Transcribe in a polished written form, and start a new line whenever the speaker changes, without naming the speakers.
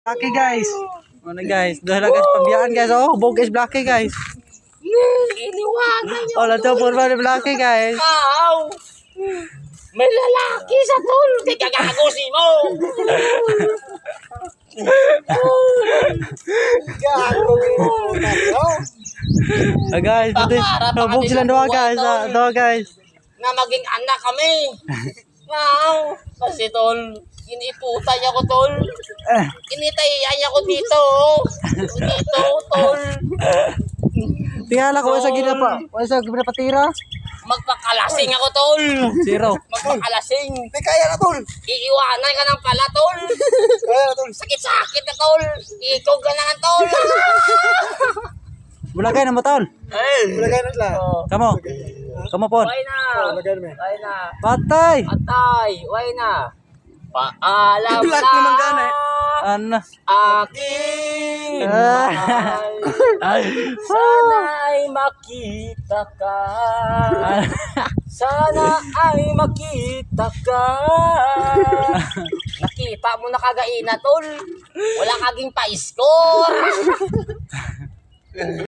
Blackie guys. Ano guys? Dahil guys pambiyaan guys. Oh, hubog guys Blackie guys.
Iniwanan niyo.
Oh, lato po ba ni Blackie guys?
Aw! May lalaki sa tol. Di ka gagagusi mo.
Ah, guys, hubog sila doon guys. Doon guys.
Na maging anak kami. Aw! Kasi tol, iniputay ako tol. Initayay ako dito. Dito tol.
Tingala ko sa gina pa. Wala sa gina patira.
Magpakalasing ako tol.
Zero.
Magpakalasing.
Hindi kaya na, tol.
Iiwanan ka ng pala tol.
Kaya na, tol.
Sakit-sakit na tol. Ikaw ka na nga tol.
Bulagay na mo taon.
Lagay na sila.
Kamo. Kamo po.
Why na?
Lagay na,
Why na?
Patay.
Atay, why na? Paalam
Black
na.
naman gana eh.
Ano?
Aking mahal. Sana'y makita ka. Sana ay makita ka. Nakita mo na kagaina tol. Wala kaging pa-score.